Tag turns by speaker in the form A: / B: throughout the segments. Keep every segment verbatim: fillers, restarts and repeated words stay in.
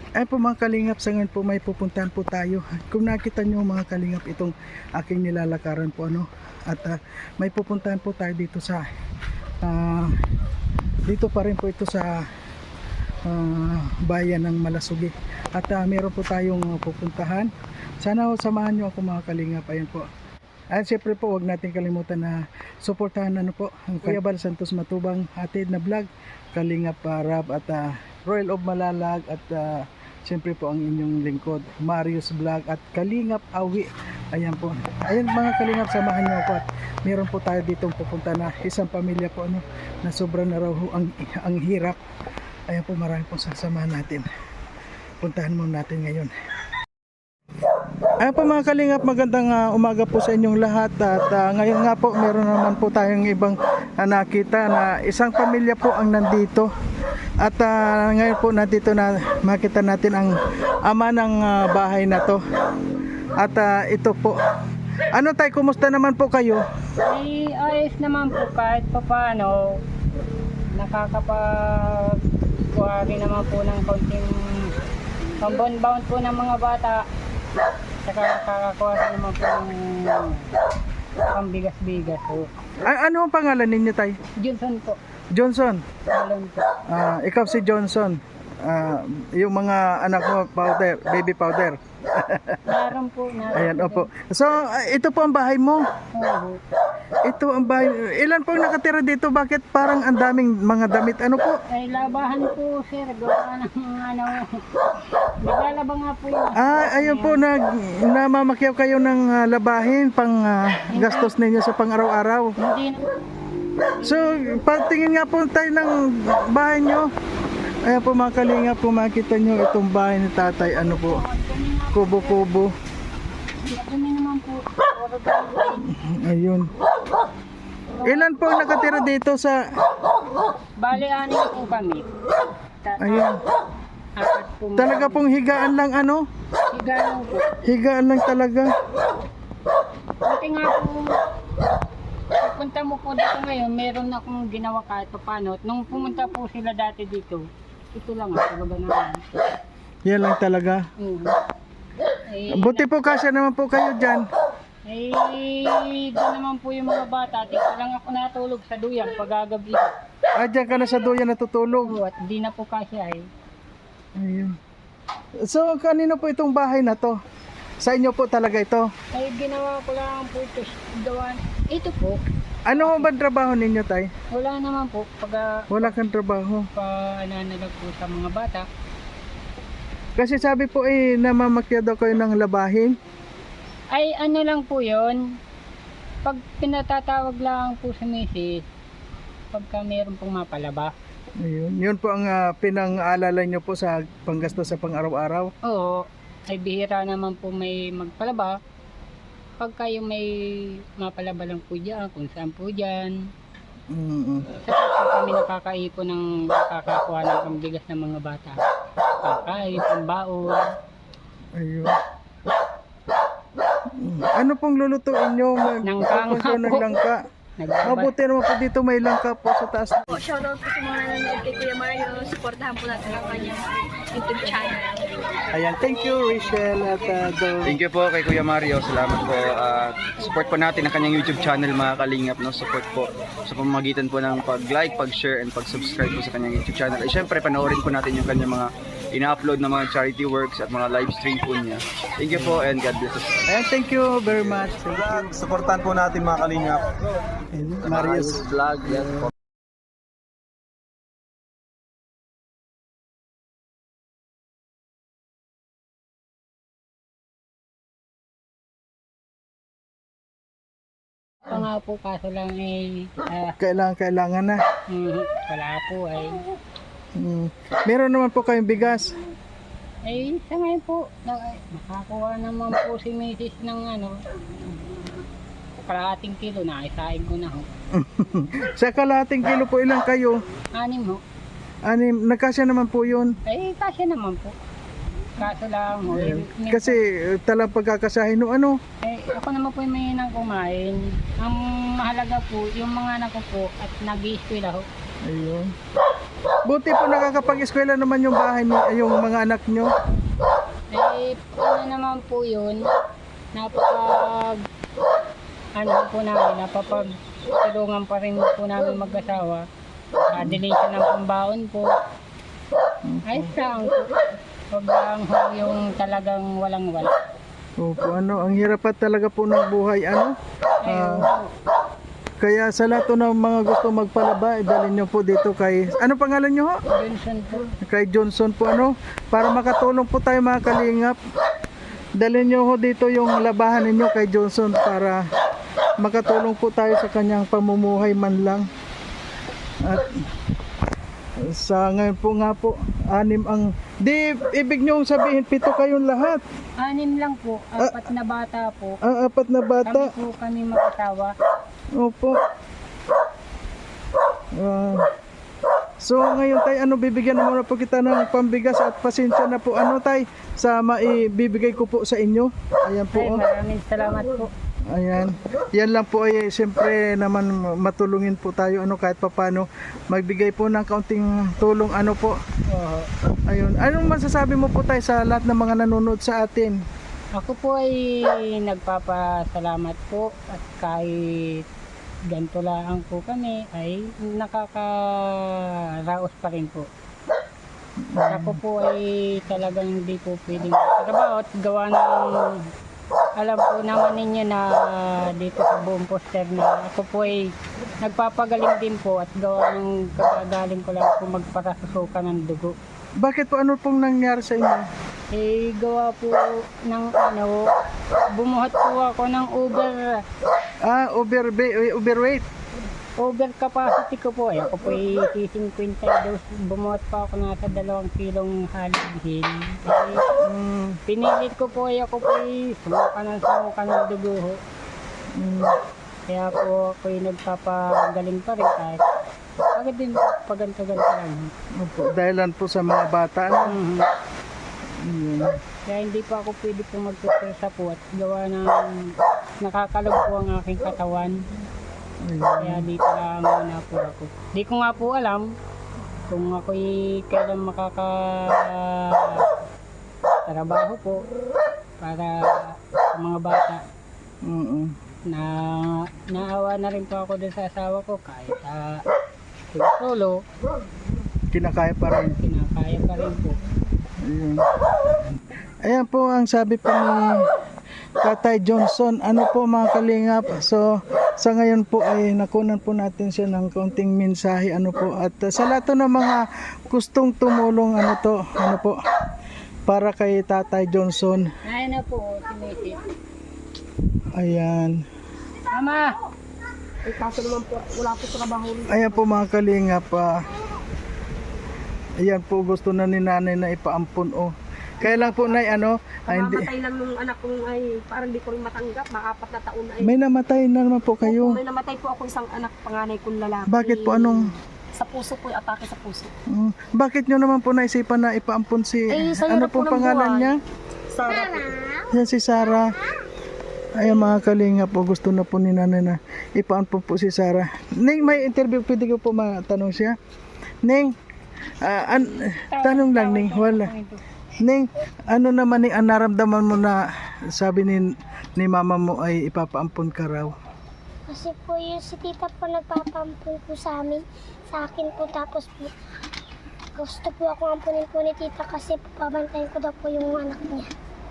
A: Ay po mga kalingap, sa ngayon po may pupuntahan po tayo. Kung nakita nyo mga kalingap itong aking nilalakaran po ano, at uh, may pupuntahan po tayo dito sa uh, dito pa rin po ito sa uh, bayan ng Malasugi. At uh, meron po tayong uh, pupuntahan. Sana ho, samahan nyo ako mga kalingap. Ayan po. At siyempre po, huwag natin kalimutan na suportahan ano po ang Kuya Bal Santos Matubang hatid na vlog, Kalingap Rab at uh, Royal of Malalag at uh, siyempre po ang inyong lingkod Marius Vlog at Kalingap Awi. Ayan po. Ayan mga kalingap, samahan niyo ako at meron po tayo ditong pupunta na isang pamilya po ano na sobrang na raw ang, ang hirap. Ayan po, marami pong sasamahan natin. Puntahan muna natin ngayon. Ayan po mga kalingap, magandang uh, umaga po sa inyong lahat at uh, ngayon nga po meron naman po tayong ibang uh, nakita na isang pamilya po ang nandito. At uh, ngayon po nandito na makita natin ang ama ng uh, bahay na to. At uh, ito po. Ano tay, kumusta naman po kayo?
B: Ay, ayos naman po kahit pa paano. Nakakapagkuha rin naman po ng konting pambon-bound po ng mga bata. Saka nakakakuha rin naman po ng pambigas-bigas po.
A: A- ano ang pangalan ninyo tay?
B: Johnson po.
A: Johnson.
B: Alon po.
A: Ah, ikaw si Johnson. Ah, yung mga anak mo powder, baby powder.
B: Meron po. Meron
A: Ayan,
B: po
A: opo. So, ah, ito po ang bahay mo.
B: din. Oo.
A: Ito ang bahay. Ilan po ang nakatira dito? Bakit parang ang daming mga damit? Ano po?
B: Ay, labahan po sir. Gawa ng ano. Naglalaba nga po yun.
A: Ah, ayun po, nag, namamakyaw kayo ng ah, labahin pang ah, gastos ninyo sa pang-araw-araw.
B: Hindi na.
A: So, pagtingin nga po tayo ng bahay nyo. Ayan po mga kalingap, kung makita nyo itong bahay ni tatay, ano po, kubo-kubo.
B: Kami naman po. Puro tayo.
A: Ayun. Ilan po ang nakatira dito sa...
B: Bali, anin po kami. Ta-
A: Ayun.
B: Apat po.
A: Talaga pong higaan lang ano?
B: Higaan po.
A: Higaan lang talaga.
B: Buti nga po, punta mo po dito ngayon, meron akong ginawa kahit pa paano. Nung pumunta po sila dati dito, ito lang ang talaga naman.
A: Yan lang talaga.
B: Mm. Eh,
A: Buti po kasya naman po kayo dyan.
B: eh, doon naman po yung mga bata. Dito lang ako natulog sa duyan pagagabi.
A: Ah, dyan ka na sa duyan natutulog.
B: At di na po kasya eh.
A: Ayun. So, kanino po itong bahay na to? Sa inyo po talaga ito?
B: Ay, ginawa ko lang po ito. Gawa. Ito po.
A: Ano ba trabaho ninyo, tay?
B: Wala naman po. Pag
A: Wala kang trabaho.
B: pa nananalag po sa mga bata.
A: Kasi sabi po eh, namamakya daw kayo ng labahin.
B: Ay, ano lang po yon. Pag pinatatawag lang po sa misis, pagka meron pong mapalaba.
A: Ayun. Yun po ang uh, pinang-aalala nyo po sa panggasto sa pang-araw-araw.
B: Oo, ay bihira naman po may magpalaba. Pagka yung may mapalaba lang po dyan, kung saan po dyan.
A: Mm-mm.
B: Saka po kami nakakaipon ng nakakakuha ng pambigas ng mga bata. Kakain, pambaon.
A: Ayun. Mm. Ano pong lulutuin nyo?
B: Langka nga
A: Magpupunta ng
B: po.
A: langka.
B: Nagbabad.
A: Mabuti naman po dito may langka po sa taas.
C: Po, shoutout po sa mga nanonood kay Kuya Mario. Supportahan po natin ang kanyang YouTube channel.
A: Ayan, thank you Rachel at uh, Dol.
D: Thank you po kay Kuya Mario. Salamat po. Uh, support po natin ang kanyang YouTube channel mga kalingap. No? Support po sa pamamagitan po ng pag-like, pag-share, and pag-subscribe po sa kanyang YouTube channel. At syempre, panoorin po natin yung kanyang mga ina-upload na mga charity works at mga live stream po niya. Thank you po and God bless us.
A: Ayan, thank you very much. Thank you.
E: Supportan po natin mga kalingap.
A: And Marius.
D: Vlog. Yan po.
B: Ito nga po, kaso lang eh, ah,
A: Kailangan, kailangan na.
B: mm, wala po ay.
A: Mm. Meron naman po kayong bigas.
B: Eh, sa ngayon po, na, nakakuha naman po si misis ng ano, kalahating kilo na, isain ko na ho.
A: Sa kalahating kilo po ilang kayo?
B: Anim ho.
A: Anim, nagkasya naman po yun.
B: Eh, kasya naman po. Kaso lang ho. Eh, min-
A: Kasi uh, talang pagkakasahin no ano.
B: eh, ako naman po yung may nang kumain. Ang mahalaga po, yung mga anak ko po at nag-i-eskwela ho.
A: Ayun. Buti po nakakapag-eskwela naman yung bahay ni yung mga anak nyo.
B: Eh, ano naman po yun, napapag, ano po namin, napapag tulungan pa rin po namin mag-asawa. Kadili siya ng pambaon po. Ay, saan po. Huwag lang ho yung talagang walang-wala.
A: Opo, ano, ang hirap pa talaga po ng buhay, ano?
B: Ayun.
A: Ah, kaya sa lahat po ng mga gusto magpalaba, dalhin nyo po dito kay, ano pangalan nyo ho?
B: Johnson po.
A: Kay Johnson po, ano? Para makatulong po tayo mga kalingap. Dalhin nyo ho dito yung labahan ninyo kay Johnson para makatulong po tayo sa kanyang pamumuhay man lang. At sa ngayon po nga po, anim ang, di, ibig nyo sabihin, pito kayong lahat.
B: Anim lang po, apat na bata po.
A: Ang apat na
B: Kami
A: bata.
B: po kami mag-asawa.
A: Opo. Ah, so ngayon tay, ano, bibigyan na muna po kita ng pambigas at pasensya na po ano tay sa maibibigay ko po sa inyo. Ayan po.
B: Ay,
A: Oh.
B: maraming salamat po.
A: Ayan. Yan lang po ay siyempre naman matulungin po tayo ano kahit papaano magbigay po ng kaunting tulong ano po. Ayun. Anong masasabi mo po tayo sa lahat ng mga nanonood sa atin?
B: Ako po ay nagpapasalamat po at kahit ganito lang po kami ay nakakaraos pa rin po. Ako po ay talagang hindi po pwedeng trabaho at gawa ng alam po naman ninyo na dito sa buong poster na ako po ay nagpapagaling din po at gawa ng kagagaling ko lang po magparasusukan ng dugo.
A: Bakit po ano pong nangyari sa inyo?
B: Eh, gawa po ng ano, bumuhat po ako ng over,
A: Ah, overbe- overweight.
B: over capacity ko po. Eh, ako po ay fifty dos, bumuhat pa ako nasa dalawang kilong halighin. Eh,
A: Mm,
B: pinilit ko po ay ako po ay sumuka ng sumuka ng dugo ho.
A: mm,
B: Kaya po ako ay nagpapagaling pa rin kahit pagod din paganto-ganto lang.
A: opo, dahilan po sa mga bata ano.
B: Mhm.
A: Mm.
B: Kaya hindi pa ako pwede po magpupersa po at gawa ng nakakalog po ang aking katawan.
A: Ayun.
B: Kaya dito lang muna po ako. Di ko nga po alam kung ako'y kailan makaka trabaho po para sa mga bata.
A: Mm-mm.
B: Na naawa na rin po ako dun sa asawa ko kahit uh, solo,
A: Kinakaya pa rin.
B: kinakaya pa rin po.
A: Ayun. Ayan po ang sabi po ni Tatay Johnson. Ano po mga kalingap. So sa ngayon po ay nakunan po natin siya ng kaunting mensahe ano po. At uh, sa lahat ng mga gustong tumulong ano to, ano po, para kay Tatay Johnson.
B: Ayun na po, sinisi.
A: Ayan.
B: Mama!
C: Ay, kaso naman po, wala po trabaho rin.
A: Ayan po mga kalingap. Uh, ayan po gusto na ni nanay na ipaampun oh. Kaya lang po nay ano, ay, hindi,
C: Kamamatay lang nung anak kong ay parang di ko rin matanggap. Makapat na taon na ay.
A: may namatay na naman po
C: Opo,
A: kayo.
C: may namatay po ako isang anak panganay kong lalaki.
A: Bakit po anong
C: Sa puso po, yung atake sa puso.
A: Mm, bakit nyo naman po naisipan na ipaampun si,
C: Eh, sa
A: ano
C: hirap po
A: pong
C: ng
A: pangalan
C: buhay.
A: niya?
C: Sarah po.
A: Yan si Sarah. Ay mga kalinga po, gusto na po ni nanay na ipaampun po si Sarah. Ning, may interview, pwede ko po matanong siya. Ning, ah, an- tanong lang Ning, wala. Ning, ano naman Ning, ang naramdaman mo na sabi ni, ni mama mo ay ipapaampun ka raw?
F: Kasi po yung si tita po nagpapampun po sa amin, sa akin po, tapos po gusto po ako ampunin po ni tita kasi po pabantayin ko daw po yung anak niya.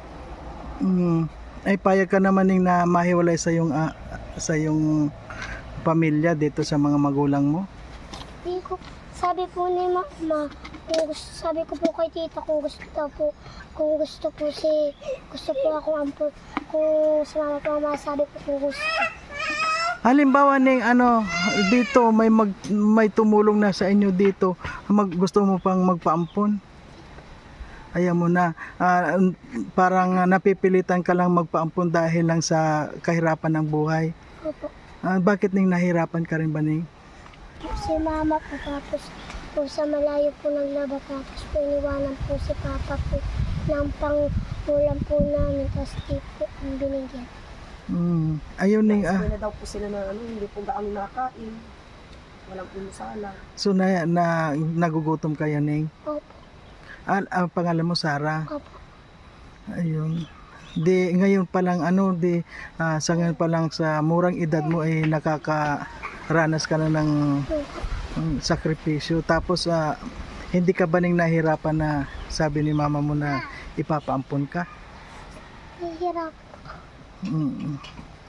A: Mm, ay payag ka naman Ning na mahiwalay sa yung ah, sa yung pamilya dito sa mga magulang mo?
F: Hindi ko, sabi po ni mama, kung gusto, sabi ko po kay tita kung gusto daw po, kung gusto po si, gusto po ako ampun, kung sa mama po mama, sabi po kung gusto.
A: Halimbawa Ning ano dito may mag, may tumulong na sa inyo dito, mag, gusto mo pang magpaampon? Ayaw mo na. Ah, parang napipilitan ka lang magpaampon dahil lang sa kahirapan ng buhay.
F: Opo.
A: Ah, bakit Ning nahirapan ka rin ba Ning?
F: Si mama po, tapos po sa malayo po naglaba, tapos po iniwanan po si papa po ng pangulam po namin, tapos di po ang binigyan.
A: Mm. Ayun Ning ah.
C: May na daw po sila na ano, hindi po gaano nakain.
G: walang pumusala.
A: So na, na nagugutom kayo, Ning?
F: Opo.
A: Ah, ang pangalan mo Sarah.
F: Opo.
A: Ayun. Di ngayon pa lang ano, di ah, sa ngayon pa lang sa murang edad mo ay nakakaranas ka na ng mm, sakripisyo. Tapos ah, hindi ka ba ning nahirapan na sabi ni mama mo na ipapaampon ka?
F: Nahihirap.
A: Mm.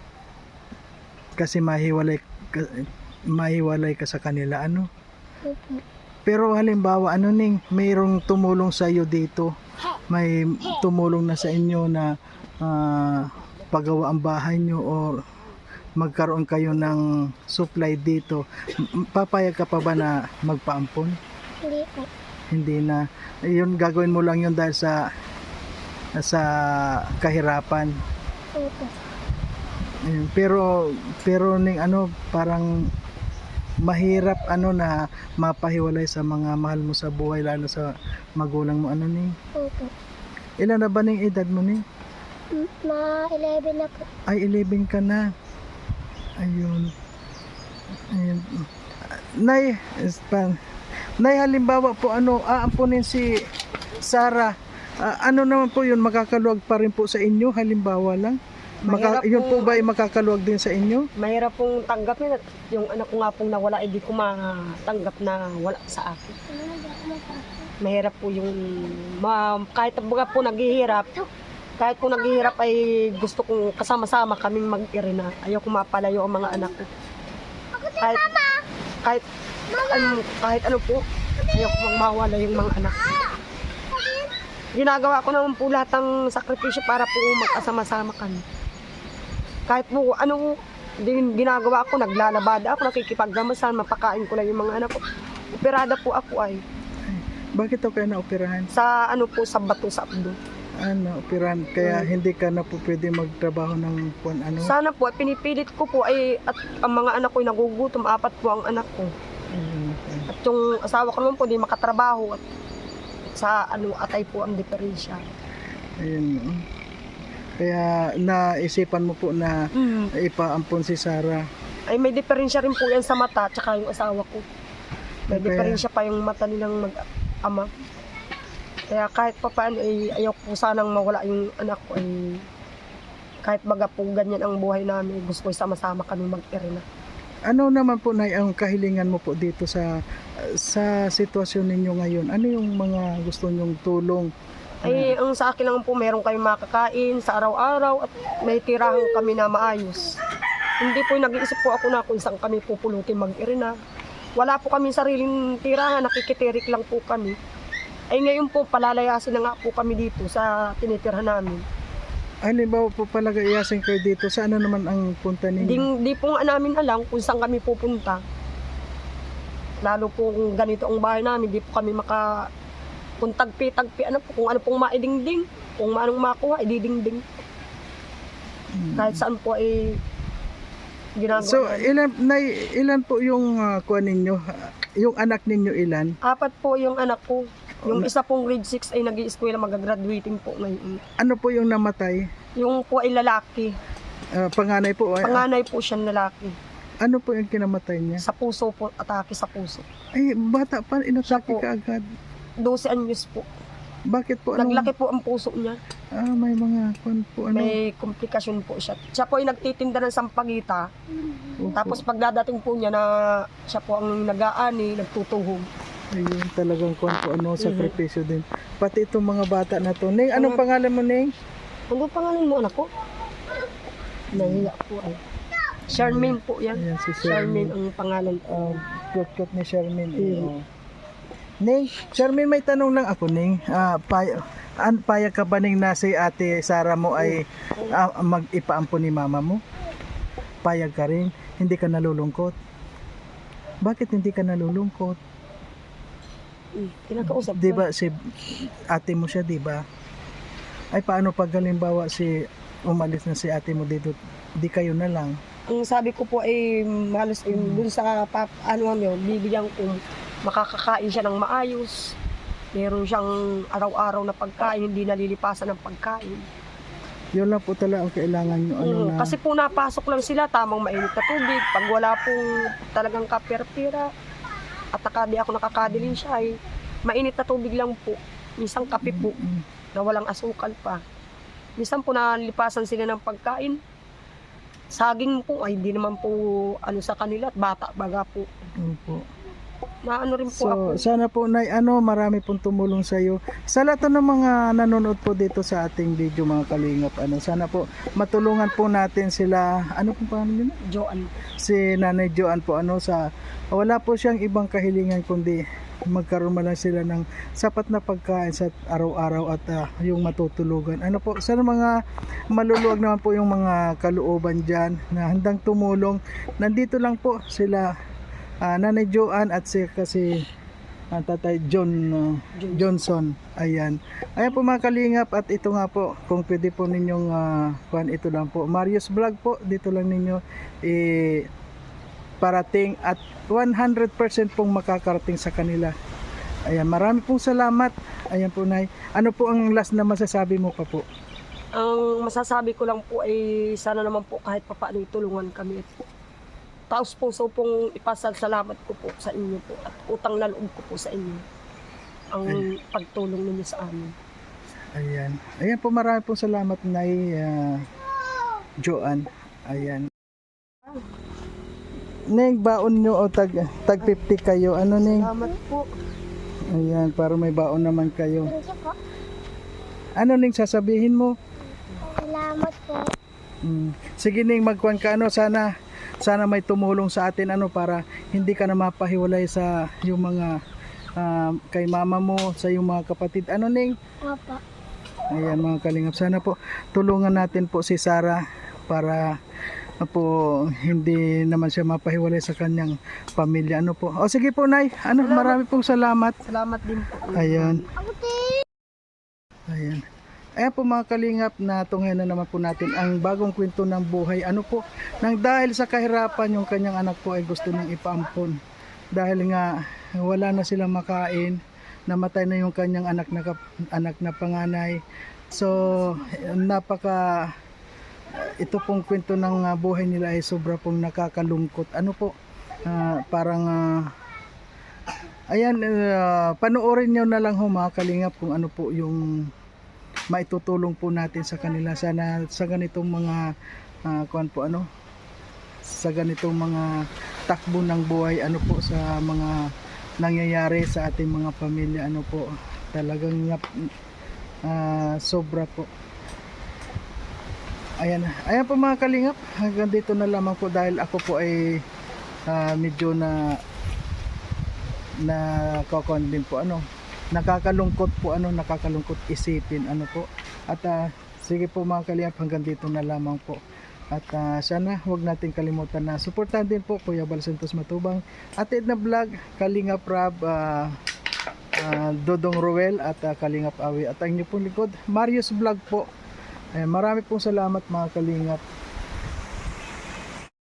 A: Kasi mahiwalay ka, mahiwalay ka sa kanila ano.
F: Opo.
A: Pero halimbawa ano ning mayroong tumulong sa iyo dito. May tumulong na sa inyo na ah, pagawa ang bahay nyo o magkaroon kayo ng supply dito. M- Papayag ka pa ba na magpaampon?
F: Hindi po.
A: Hindi na. Yun gagawin mo lang yun dahil sa sa kahirapan.
F: Opo.
A: Ayun. Pero pero ning ano parang mahirap ano na mapahiwalay sa mga mahal mo sa buhay lalo sa magulang mo ano ning.
F: Opo.
A: Ilan na ba ning edad mo ning?
F: M- Ma eleven na po.
A: Ay eleven ka na. Ayun. Ayun. Nay, is pa- Nay halimbawa po ano aampunin si Sarah. Ah, ano naman po yun makakaluwag pa rin po sa inyo halimbawa lang. Maka,
G: Mahirap
A: yun po
G: po.
A: ba ay makakaluwag din sa inyo?
G: Mahirap pong tanggapin at yung anak ko nga pong nawala, hindi ko matanggap na wala sa akin. Mahirap po yung, ma, kahit baga po naghihirap, kahit po naghihirap ay gusto kong kasama-sama kaming mag-irina. Ayaw ko mapalayo ang mga anak ko. Kahit, kahit, ano, kahit ano po, ayaw ko mawala yung mga anak ko. Ginagawa ko naman po lahat ng sakripisyo para po magkasama-sama kami. Kahit po ano din ginagawa ko, naglalabada ako, nakikipagdamasan, mapakain ko lang yung mga anak ko. Operada po ako ay
A: Bakit ako kayo na-operahan?
G: sa ano po sa bato sa abdo.
A: Ano, operahan kaya hindi ka na po pwede magtrabaho ng kung ano?
G: Sana po, pinipilit ko po ay at ang mga anak ko ay nagugutom, apat po ang anak ko.
A: Ayun, okay.
G: At yung asawa ko naman po, di makatrabaho at sa ano atay po ang diferensya.
A: Ayun. Kaya naisipan mo po na
G: Mm.
A: ipaampon si Sarah.
G: Ay may diferensya rin po yan sa mata tsaka yung asawa ko. May
A: Kaya-
G: diferensya pa yung mata nilang mag-ama. Kaya kahit pa paano ay ayaw po sanang mawala yung anak ko ay kahit baga po ganyan ang buhay namin, gusto ko sama-sama kami mag-irina.
A: Ano naman po na ang kahilingan mo po dito sa sa sitwasyon ninyo ngayon? Ano yung mga gusto nyong tulong?
G: Ay ang sa akin lang po meron kayong makakain sa araw-araw at may tirahan kami na maayos. Hindi po nag-iisip po ako na kung saan kami pupulutin mag-irina. Wala po kami sariling tirahan, nakikitirik lang po kami. Ay ngayon po palalayasin na nga po kami dito sa tinitirhan namin.
A: Halimbawa po pala iyasin kayo dito, saan na naman ang punta
G: Hindi,
A: ninyo?
G: hindi po nga namin alam kung saan kami pupunta. Lalo po kung ganito ang bahay namin, hindi po kami maka... Kung tagpi-tagpi, ano po, kung ano pong maidingding, kung anong makuha, ididingding.
A: Hmm.
G: Kahit saan po ay ginagawa.
A: So,
G: namin.
A: ilan, nay, ilan po yung uh, kuha ninyo? Yung anak ninyo ilan?
G: Apat po yung anak ko. Yung
A: Na-
G: isa pong grade six ay nag-i-eskwela, mag-graduating po ngayon.
A: Ano po yung namatay?
G: Yung po ay lalaki.
A: Ah, panganay po. ay-
G: Panganay po siyang lalaki.
A: ano po yung kinamatay niya?
G: Sa puso po, atake sa puso.
A: Ay, bata pa, inatake
G: Siya po.
A: ka agad.
G: twelve anyos po.
A: Bakit po? Anong,
G: Naglaki po ang puso niya.
A: Ah, may mga kwan po. Ano?
G: May komplikasyon po siya. Siya po ay nagtitinda ng sampagita.
A: Opo.
G: Tapos pagdadating po niya na siya po ang nag-aani, nagtutuhog.
A: Ayun, talagang kwan po, ano,
G: Mhm.
A: sakripisyo din. Pati itong mga bata na to. Ning, anong pangalan mo, Ning?
G: Ano pangalan mo anak ko? Nahiya po ay. Charmaine po yan.
A: Ayan, si
G: Charmaine
A: Charmaine.
G: ang pangalan
A: Uh,
G: ko.
A: Cute-cute ni Charmaine. Eh.
G: Mhm.
A: oh. Ning, Charmaine, may tanong lang ako, Ning. Ah, pay an payag ka ba, Ning, na si ate Sarah mo ay ah, mag-ipaampon ni mama mo? Payag ka rin? Hindi ka nalulungkot? Bakit hindi ka nalulungkot?
G: Hmm, Kinakausap
A: Di
G: ko.
A: ba si ate mo siya, di ba? Ay paano pag halimbawa si umalis na si ate mo dito, di kayo na lang?
G: Ang sabi ko po ay malos yung dun sa pap, ano yun, bibigyan ko makakakain siya ng maayos. Meron siyang araw-araw na pagkain, hindi nalilipasan ng pagkain.
A: Yun lang po talaga ang kailangan nyo. Ano
G: Mm,
A: na,
G: Kasi po napasok lang sila, tamang mainit na tubig. Pag wala pong talagang kapira-pira, at saka di ako nakakadilin siya ay mainit na tubig lang po. Minsan kape po,
A: Mm,
G: na walang asukal pa. Minsan po nalipasan sila ng pagkain. Saging po, ay hindi naman po ano sa kanila, bata baga po.
A: opo.
G: Na ano rin po
A: So,
G: ako.
A: sana po na ano, marami pong tumulong sa iyo. Sa lahat ng mga nanonood po dito sa ating video mga kalingap, ano, sana po matulungan po natin sila. Ano po pa nila?
G: Joan.
A: Si Nanay Joan po ano sa wala po siyang ibang kahilingan kundi magkaroon man lang sila ng sapat na pagkain sa araw-araw at ah, yung matutulugan. Ano po, sana mga maluluwag naman po yung mga kalooban diyan na handang tumulong. Nandito lang po sila ah, Nanay Joan at si kasi ah, Tatay John ah, Johnson. Ayan. Ayan po mga kalingap at ito nga po kung pwede po ninyong uh, kuhan ito lang po. Marius Vlog po dito lang ninyo eh, parating at one hundred percent pong makakarating sa kanila. Ayan, marami pong salamat. Ayan po, Nay. Ano po ang last na masasabi mo pa po?
G: Ang masasabi ko lang po ay sana naman po kahit papaano itulungan kami. Taos puso pong ipasalamat ko po sa inyo po at utang na loob ko po sa inyo ang pagtulong ninyo sa amin.
A: Ayan. Ayan po, marami pong salamat, Nay uh, Joan. Ayan. Neng, baon nyo o tag, tag fifty kayo. Ano, Neng?
G: Salamat po.
A: Ayan, para may baon naman kayo.
F: Thank you po.
A: Ano, Neng, sasabihin mo?
F: Salamat po.
A: Mm. Sige, Neng, magkuhan ka. Ano, sana, sana may tumulong sa atin ano para hindi ka na mapahiwalay sa yung mga ah, kay mama mo, sa yung mga kapatid. Ano, Neng?
F: Opo.
A: Ayan mga kalingap, sana po tulungan natin po si Sarah para uh, po hindi naman siya mapahiwalay sa kanyang pamilya. Ano po? O sige po, Nay. Ano, marami pong salamat.
G: Salamat din po.
A: Ayan. Ayan. Ayan po mga kalingap, na tunghayan na naman po natin ang bagong kwento ng buhay. Ano po, nang dahil sa kahirapan yung kanyang anak po ay gusto nang ipaampon. Dahil nga wala na silang makain, namatay na yung kanyang anak na, kap- anak na panganay. So, napaka ito pong kwento ng uh, buhay nila ay sobra pong nakakalungkot. Ano po, ah, parang ah, ayan, uh, panoorin nyo na lang ho mga kalingap kung ano po yung maitutulong po natin sa kanila. Sana sa ganitong mga uh, kuan po ano, sa ganitong mga takbo ng buhay, ano po, sa mga nangyayari sa ating mga pamilya, ano po, talagang uh, sobra po. Ayan, ayan po mga kalingap, hanggang dito na lamang po dahil ako po ay uh, medyo na na kakon din po ano, nakakalungkot po ano, nakakalungkot isipin ano po. At uh, sige po mga kalingap, hanggang dito na lamang po. At uh, sana huwag natin kalimutan na suportahan din po Kuya Bal Santos Matubang, Ate Edna Vlog, Kalingap Rab, uh, uh, Dodong Ruel at uh, Kalingap Awi, at ang inyo pong likod Marius Vlog po. Eh, marami pong salamat mga kalingap.